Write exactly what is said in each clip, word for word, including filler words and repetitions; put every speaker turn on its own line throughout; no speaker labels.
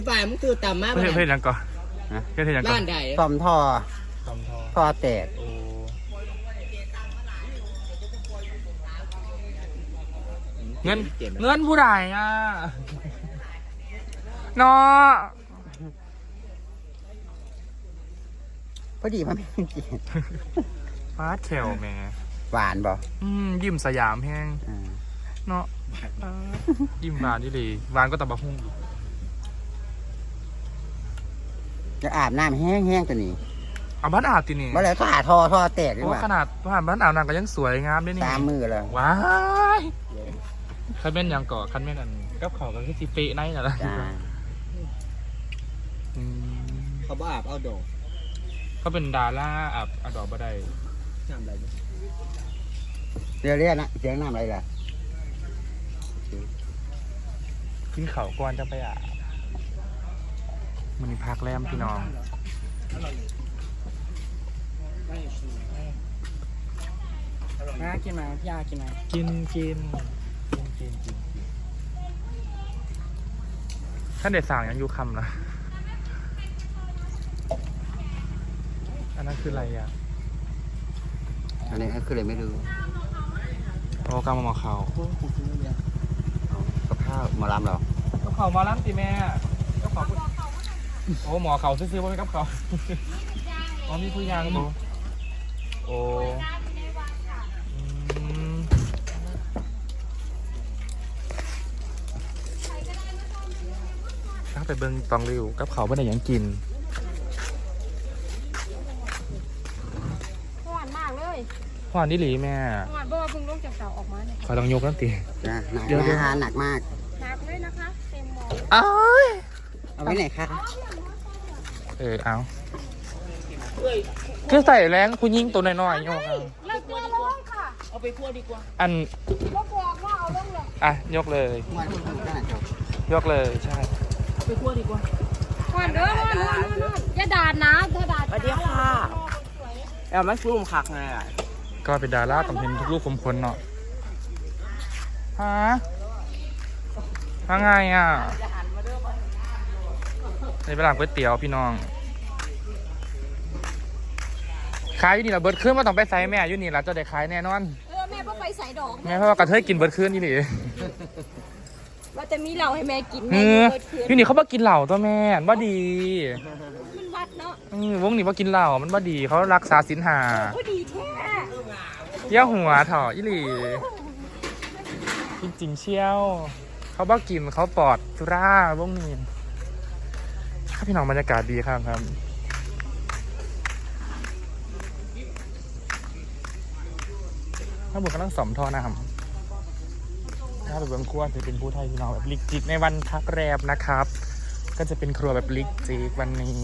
ฝ่ายมึงคือต่ำมาก
เพื่อนเพื่อนยังก่อนเพื่อนยังก่อ
ร้าน นใด
ซ่อมท่อ
ตอมทอ
ท่อแตก
โอ้เงินเงินผู้ใดอ่ะเนาะ
พอดีมันไม่กิน
ฟ้าแถวแม่
หวานบ่
อืมยิ้มสยามแห้ง
อ่า
เนาะอ่ายิ้มหวานที่ดีหวานก็ตะบะหุ่ง
จะอาบน้ำแห้งๆตัวนี้
เอาบ้านอาบตีนี่
เมื่อไรก็หาท่อท่อแตกดี
โอ้
กว่า
ขนาดบ้านบ้านอาบน้ำก็ยังสวยงามด้วยนี่
ตามมือเลย
ว้ายคันแม่นยังก่อคันแม่นอันกับเขาก็คือสิเปะในน่ะล่ะ
จ้า
อืม
เขาบ้าอาบเอาดอก
เขาเป็นดาราอาบอาดอกบ่ได้
น้ำอะไรเนี่ย
เรียกเรียกนะเสียงน้ำอะไรล่ะ
กินเขาวก่อนจะไปอาบมันนี่พักแรมพี่น้อง
น้ากินไหมพี่ยากินไหม
กินกินกินกินกินกินท่านเด็ดสั่งยังอยู่คำนะอันนั้นคืออะไรอ่ะ
อันนี้คือเลยไม่รู้
โอ้กำมะมะเขา
กับข้าวหมอลำเรา
ก็เขามาล้ำสิแม่ก็เขาโอ้หมอเขาซื้อๆว่าไม่กับเขาอ๋อมีผู้ยางดูโอ้อืมถ้าไปเบิ่งตองริวกับเขาไม่ได้หยังกิน
หวานมากเลย
หวานนี่หลีแม่
หวานเพราะว่าเพิ่งลงจากเสาออกมาเนี่ย
ขอต้องยกนั่นตี
จ้าหนัก
เดี๋ยวเดี๋ยว
อาหารหนักมาก
หนักเลยนะคะ เต็มหมอน
อ้าย
เอาไว้ไหนคะ
เออเอาคือใส่แรงคุณยิงตัวน้อยๆโยกเอา
เลิกตัวแล้วค่ะ
เอาไปคั่วดีกว่า
อัน
ลกบอกว่าเอาลงเลย
อ่ะยกเลย
มาทุกคนก็หนักจบ
ยกเลยใช่
เอาไปคั่วดีกว่า
หวานเด้อหวานหวานหวานอย่าด่านะอย่าด่า
สวัสดีค่ะแอลมันฟูมคักไงอ่ะ
ก็เป็นดาราต้องเห็นทุกรูปคมคนเนาะฮะว่าไงอ่ะในเวลาก๋วยเตี๋ยวพี่น้องขายอยู่นี่ละเบิร์ดขึ้นมาต้องไปใส่แม่อยู่นี่ละจะได้ขายแน่นอน
เออแม่ก็ไปใส่ดอก
แม่เพราะว่ากระเทยกินเบิร์ดขึ้นนี่หนิ
ว่าจะมีเหล้าให้แม่กิน
เอ
แม่
อ
เปิดคืน
อยู่นี่เขาบอกกินเหล้าตัวแม่ว่าดี
มันวัดเนาะ
อืมวงนี้ว่ากินเหล้ามันว่าดีเขารักษาศีลหา
โอ้ดีแท้
เยี่ยวหัวเถอะอีหลีจริงๆเชี่ยวเขาบอกกินเขาปลอดสุราวงนี้ถ้าพี่น้องบรรยากาศดีครับครับถ้าบุกกำลังสมทอนะครับถ้าไปเบื้องครัวจะเป็นผู้ไทยพี่น้องแบบลิกจิกในวันพักแรมนะครับ ก็จะเป็นครัวแบบลิกจิกวันนี้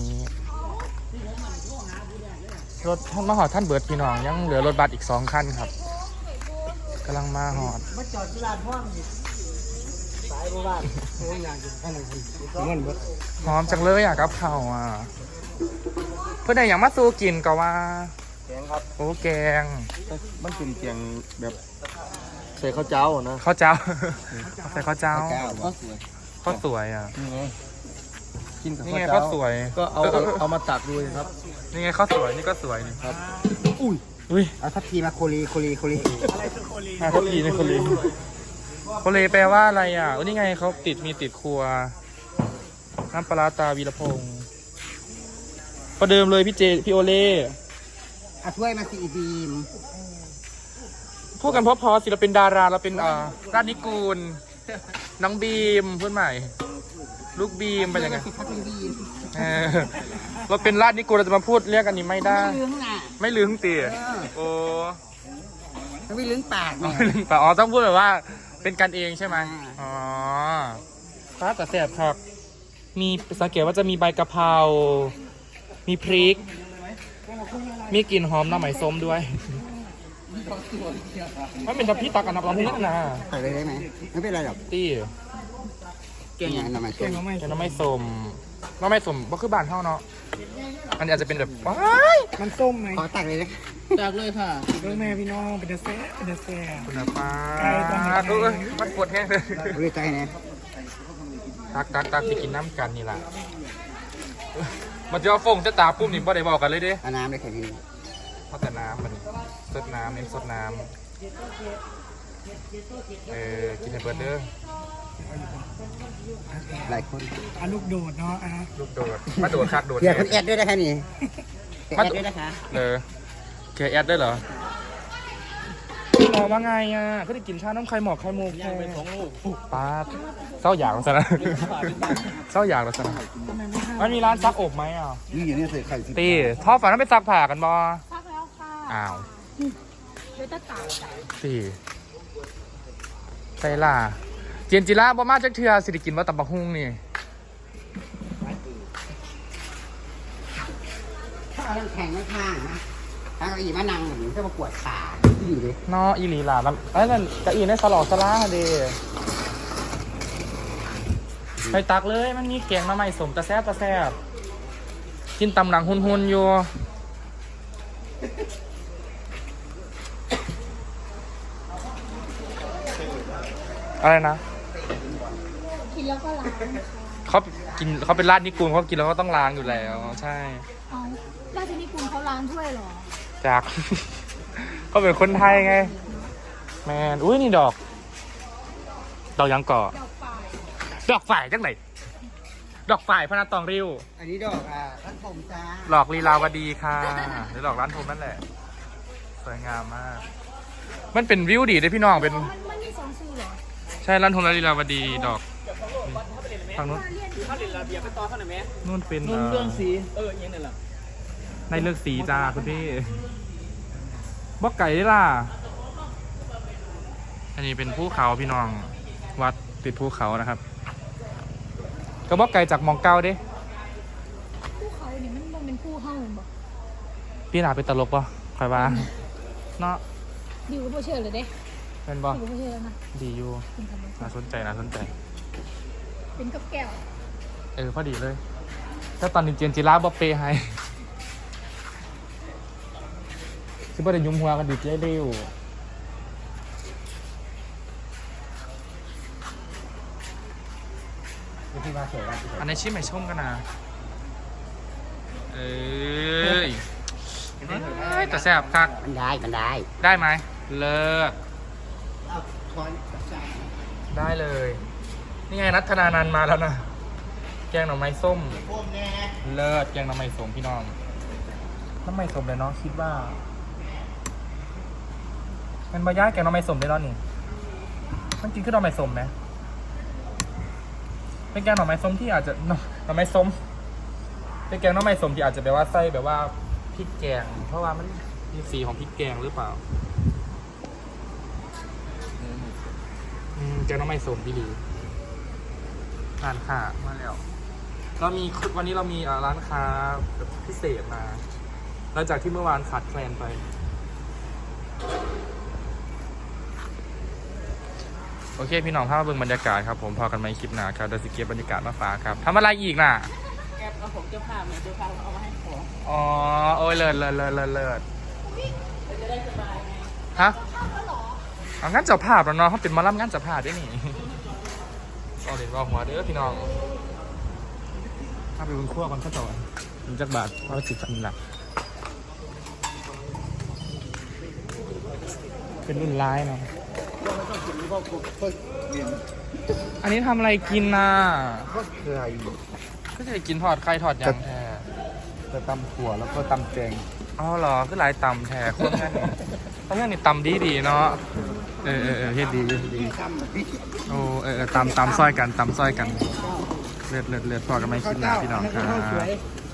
รถท่านมาหอดท่านเบิร์ดพี่น้องยังเหลือรถบัสอีกสองคันครับกำลังมาหอด
มาจอดที่ร้านพ่อมสายบ้านโอ้ยงานกินข้าวหนึ่งเงินเบิด
หอมจังเลยอ่ะกับข้าวอ่ะเพื่อนไหนอย่างมาสู้กินก็ว่า
แกงครับ
โอ้แกง
มันเป็นแกงแบบใส่ข้าวเจ้านะ
ข้าวเจ้าใส่ข้าวเจ้า
เก้าบ่
ข้าวสวยอ่ะ
นี่ไงกินกับ
นี่
ข้าว
ไง
เจ้า
ข้าวสวย
ก็เอาเอาเอามาตักดูเลยครับ
นี่ไงข้าวสวยนี่ก็สวยนี่
ครับ
อุ้ย
อุ้ย
เอาทัพทีมาโคลีโคลีโคลี
มาทุกทีในโคเลโคเลแปลว่าอะไรอ่ะโอ้นี่ไงเขาติดมีติดครัวน้ำปลาร้าตาวีรพงศ์ประเดิมเลยพี่เจพี่โอเล่
เอาถ้วยมาสีบีม
พูดกันเพราะพอศิลปินดาราเราเป็นอ่าราชนิกูลน้องบีมเพื่อนใหม่ ลูกบีมเป็นยังไง
ถ้าเป็นบีม
เออเราเป็นราชนิกูลเราจะมาพูดเรียกอันนี้ไม่ได้
ไม่ลืมน่ะ
ไม่ลืมตีโอ้
มันไม่ลืมปากไง
ไม่ลืมปะอ๋อต้องพูดแบบว่าเป็นกันเองใช่ไหมอ๋อฟ้าแต่แสบครับมีสังเกตว่าจะมีใบกะเพรา มีพริก มีกลิ่นหอมน้ำไหมส้มด้วยมันเป็นทัพพี่ตักกับน้ำปลาพวกนั้นนะ
ใส่เลยได้ไหมไม่เป็นไรหรอก
ตี้
เก่งอย่างน้ำมัน
แกงน้ำไม่ส้มน้ำไม่ส้มก็คือบ้านเท่าเนาะอันนี้อาจจะเป็นแบบว้าย
มันส้มไหม
ขอตักเลยนะ
จากเลยค่ะ
เรื่องแม่พี่น้องเป็นเดอะแซ่เป็นเดอะแซ่
คุณป้า
ไกลตอนนี้
เออมันปวดแห้งเลย
เรียกใจนะ
ตักตักตักไปกินน้ำกันนี่แหละมันจะเอาฟงจะตาปุ๊บนี่บ่ได้บอกกันเลยเด้
เอาน้ำเลยแค่นี้
เพราะแต่น้ำมันสดน้ำเน้นสดน้ำเออกินให้เบิร์ดเด้อ
หลายคน
อาลูกโดดเนาะอ่ะ
ลูกโดดมาโดดคักโดด
เดี๋ยวคุณแอดด้วยนะคะนี่แอดด้วยนะคะ
เออแกแอดได้เหรอรอว่าไงอ่ะก็ได้กินชาน้ำไข่หมอกไข่มุกแค่ป้าเศร้าอย่างแล้วสินะเศร้าอย่างแล้วสินะมันมีร้านซักอบไหมอ่ะ
นี่อย่างนี้ใส่ไข่สิ
ตีท่อฝันนั้นไปซักผ่ากันบอ
ซักแล้วค่ะ
อ้าว
เดี๋ยวจะตาก
ตีใส่ล่ะเจียนจิระบ่มาจักเทือสิริกินว่าตำบักฮุ่งนี่
ถ้าเอาแข่งข้างๆนะถ้าเอาอีมานั่งเหมือนจะมาปวดขาที่อยู่ดิ
เนาะอีหลีล่ะแล้วไอ้นั่นกะอีในสลอกสลาเดไปตักเลยมันมีแกงมาใหม่สมตะแซบตะแซบกินตำหลังหุนหุนๆอยู่อะไรนะ
กินแล้วก็ล้างค่ะ
เขากินเขาเป็นราดนิกูลเขากินแล้วก็ต้องล้างอยู่แล้วใช่
เอาราชนิกูลเขาล้างถ้วยเหรอ
จาก เขาเป็นคนไทยไงแมนอุ้ยนี่ดอกดอกยังก่อ
ดอกฝ่าย
ดอกฝ่ายจังไหนดอกฝ่ายพนัสตองริ้ว
อันนี้ดอกอ่ะร้านผมจ้า
หลอกลีลาวดีค่ะหรือหลอกร้านทมนั่นแหละสวยงามมาก มันเป็นวิวดีเลยพี่น้องเป็น
มันมันมีสองชื่อเหรอ
ใช่ร้านทมและลีลาวดีดอกฝั่งนู้น
เรียน
ถ้าเรียนระเบียบไปต่อเท่าไหร่ไหม
นู่นเป็น
นุ่นเรื่องสีเออยังไงล่ะ
ในเลือกสีจ้าคุณพี่บอกไก่ได้ล่ะอันนี้เป็นภูเขาพี่น้องวัดติดภูเขานะครับก็บอกไก่จากหมองเก้าเด้
ผู้เขาเนี่ยมันมันเป็นผู้เฮ้าเหมือนบอก
พี่หนาเป็นตลกป่ะคอยว่าเนาะ
ดิวก็บ่เชื่อเลยเด้
เป็นป่ะ
ดิวก็บ่เชื่อแล้วนะ
ดีอยู่
เป็นธรรมชา
น่า
ติ
สนใจน่าสนใจ
เป็นกับแก้ว
เออพอดีเลยถ้าตอนนี้เจนจิราบอเปย์ให้คือบ่ได้ยุ่มหัวกันดีเจ๊เร็วอันนี้ชิมไม่ชมกันนะเอ้ยเอ้ยแต่แซ่บคัก
มันได้มันได้
ได้ไหมเลิศ
เอาช้อนกับจาน
ได้เลย นี่ไงนัทธนานันท์มาแล้วนะแกงหน่อไม้ส้ม
พวกแน่
เลิศแกงหน่อไม้ส้มพี่น้องน้ำไม้ส้มเลยเนาะคิดว่ามันบะย่างแกงหน่อไม้ส้มได้แล้วนี่มันกินขึ้นหน่อไม้ส้มไหมเป็นแกงหน่อไม้ส้มที่อาจจะหน่อหน่อไม้ส้มเป็นแกงหน่อไม้ส้มที่อาจจะแบบว่าใส่แบบว่าพริกแกงเพราะว่ามันมีสีของพริกแกงหรือเปล่าอืมแกงหน่อไม้ส้มพี่ดีร้านค้ามาแล้วเรามีวันนี้เรามีอ่าร้านค้าแบบพิเศษมาหลังจากที่เมื่อวานขาดแคลนไปโอเคพี่น้องภาพเบิ่งบรรยากาศครับผมพอกันไหมคลิปหนาครับเดี๋ยวสิเก็บบรรยากาศมาฝากครับทำอะไรอีกน่ะ
แกเอาผมเจ้าภาพเนี่ยเจ้าภาพเอามาให้ของ
อ๋อโอ้ยเลิศเลิศเลิศเลิศเลิศ
จะได้สบายไง
ฮะเอางั้นเจ้าภาพแล้วเนาะเขาเป็นหมาล่ำงั้นเจ้าภาพด้วยนี่เอาเด็กว่าหัวเด้อพี่น้องถ้าไปบนขั้วกันก็ต่อมีจักบาทเพราะว่าสิบพันหลักเป็นรุ่นร้ายเนาะอันนี้ทำอะไรกินน่ะ
ก็คือไข่
ก็จะกินทอดไข่ทอดยางแท้
จะตำถั่วแล้วก็ตำแจง
อ๋อเหรอคือหลายตำแท้คนแค่นี้เพราะงั้นนี่ตำดีดีๆเนาะเออเออเออเฮ็ดดีเฮ็ดดีโอ้เออเออตำตำซอยกันตำซอยกันเลือดเลือดเลือดพอกันไหมคิดหนาพี่น้องครับ